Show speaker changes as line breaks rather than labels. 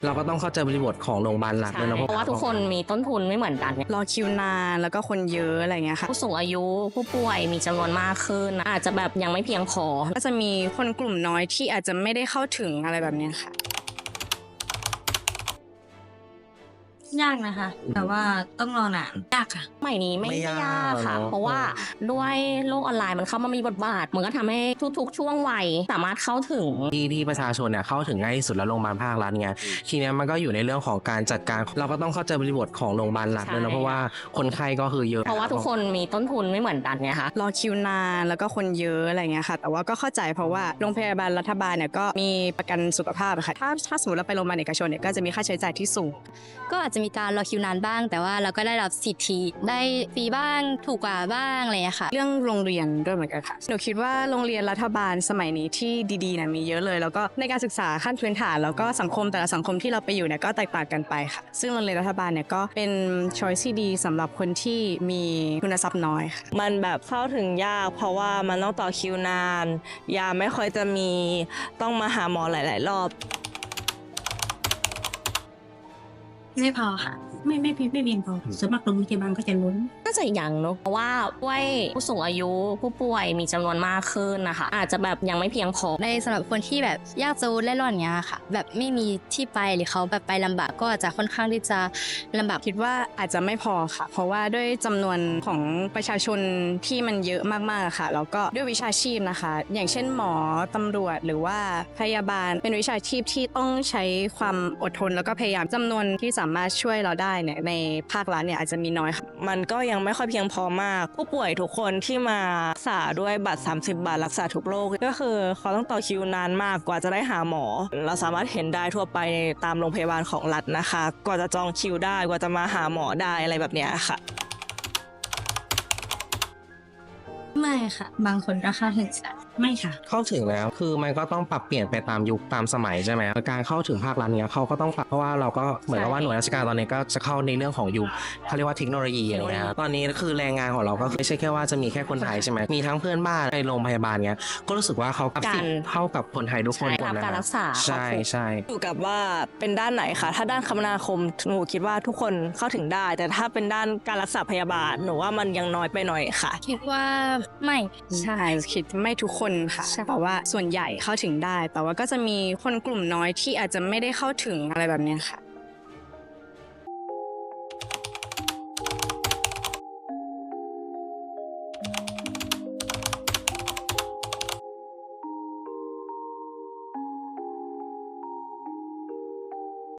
เราก็ต้องเข้าใจบริบทของโรงพยาบาลหลักด้วยนะ
เพราะว่าทุกคนมีต้นทุนไม่เหมือนกัน
รอคิวนานแล้วก็คนเยอะอะไรเงี้ยค่ะ
ผู้สูงอายุผู้ป่วยมีจำนวนมากขึ้นอาจจะแบบยังไม่เพียงพอ
ก็จะมีคนกลุ่มน้อยที่อาจจะไม่ได้เข้าถึงอะไรแบบเนี้ยค่ะ
ยากนะคะแต่ว่าต้องรอนานยากค่ะ
ใหม่นี้ไม่ยากค่ะ
เนอะ
เพราะว่าด้วยโลกออนไลน์มันเข้ามามีบทบาทมันก็ทำให้ทุกๆช่วงวัยสามารถเข้าถึง
ที่ประชาชนเนี่ยเข้าถึงง่ายที่สุดแล้วโรงพยาบาลภาครัฐไงทีเนี้ยมันก็อยู่ในเรื่องของการจัดการเราก็ต้องเข้าใจบริบทของโรงพยาบาลหลักด้วยนะเพราะว่าคนไข้ก็คือเยอะ
เพราะว่าทุกคนมีต้นทุนไม่เหมือนกันไงคะ
รอคิวนานแล้วก็คนเยอะอะไรเงี้ยค่ะแต่ว่าก็เข้าใจเพราะว่าโรงพยาบาลรัฐบาลเนี่ยก็มีประกันสุขภาพค่ะถ้าสมมติเราไปโรงพยาบาลเอกชนเนี่ยก็จะมีค่าใช้จ่ายที่สูง
ก็อาจจะมีการรอคิวนานบ้างแต่ว่าเราก็ได้รับสิทธิได้ฟรีบ้างถูกกว่าบ้างอะไรอย่างเงี้ยค่ะ
เรื่องโรงเรียนด้วยเหมือนกันค่ะหนูคิดว่าโรงเรียนรัฐบาลสมัยนี้ที่ดีๆเนี่ยมีเยอะเลยแล้วก็ในการศึกษาขั้นพื้นฐานแล้วก็สังคมแต่ละสังคมที่เราไปอยู่เนี่ยก็แตกต่างกันไปค่ะซึ่งโรงเรียนรัฐบาลเนี่ยก็เป็นช้อยที่ดีสำหรับคนที่มีทุนทรัพย์น้อยค่ะ
มันแบบเข้าถึงยากเพราะว่ามันต้องต่อคิวนานยาไม่ค่อยจะมีต้องมาหาหมอหลายๆรอบ
ไม่พอค่ะไม่เพียงพอส่วนมากโรงพยาบาลก็จะล้น
น่าจะอย่างเนอะเพราะว่าด้วยผู้สูงอายุผู้ป่วยมีจำนวนมากขึ้นนะคะอาจจะแบบยังไม่เพียงพอ
ในสำหรับคนที่แบบยากจนเล่ร่อนเงี้ยค่ะแบบไม่มีที่ไปหรือเขาแบบไปลำบากก็อาจจะค่อนข้างที่จะลำบาก
คิดว่าอาจจะไม่พอค่ะเพราะว่าด้วยจำนวนของประชาชนที่มันเยอะมากๆค่ะแล้วก็ด้วยวิชาชีพนะคะอย่างเช่นหมอตำรวจหรือว่าพยาบาลเป็นวิชาชีพที่ต้องใช้ความอดทนแล้วก็พยายามจำนวนที่สามารถช่วยเราได้เนี่ยในภาครัฐเนี่ยอาจจะมีน้อยค่ะ
มันก็ยังไม่ค่อยเพียงพอมากผู้ป่วยทุกคนที่มารักษาด้วยบัตร30 บาทรักษาทุกโรคก็คือเขาต้องต่อคิวนานมากกว่าจะได้หาหมอเราสามารถเห็นได้ทั่วไปตามโรงพยาบาลของรัฐนะคะกว่าจะจองคิวได้กว่าจะมาหาหมอได้อะไรแบบเนี้ยค่ะ
ไม่ค่ะบางคนก็เข้าถึงไม่ค่ะ
เข้าถึงแล้วคือมันก็ต้องปรับเปลี่ยนไปตามยุคตามสมัยใช่ไหมการเข้าถึงภาครัฐเนี้ยเขาก็ต้องปรับเพราะว่าเราก็เหมือนกับว่าหน่วยราชการตอนนี้ก็จะเข้าในเรื่องของยุคเขาเรียกว่าเทคโนโลยีอะไรเงี้ยตอนนี้คือแรงงานของเราก็ไม่ใช่แค่ว่าจะมีแค่คนไทยใช่ไหมมีทั้งเพื่อนบ้านในโรงพยาบาลเนี้ยก็รู้สึกว่าเขารับสิทธิ์เท่ากับคนไทยทุกคน
รับการรักษา
ใช่ใช่
อยู่กับว่าเป็นด้านไหนคะถ้าด้านคมนาคมหนูคิดว่าทุกคนเข้าถึงได้แต่ถ้าเป็นด้านการรักษาพยาบาลหนูว่ามันยังน้อยไปหน่อยค่ะ
คิดว่าไม่
ใช่คิดไม่ทุกคนค่ะแต่ว่าส่วนใหญ่เข้าถึงได้แต่ว่าก็จะมีคนกลุ่มน้อยที่อาจจะไม่ได้เข้าถึงอะไรแบบนี้ค่ะ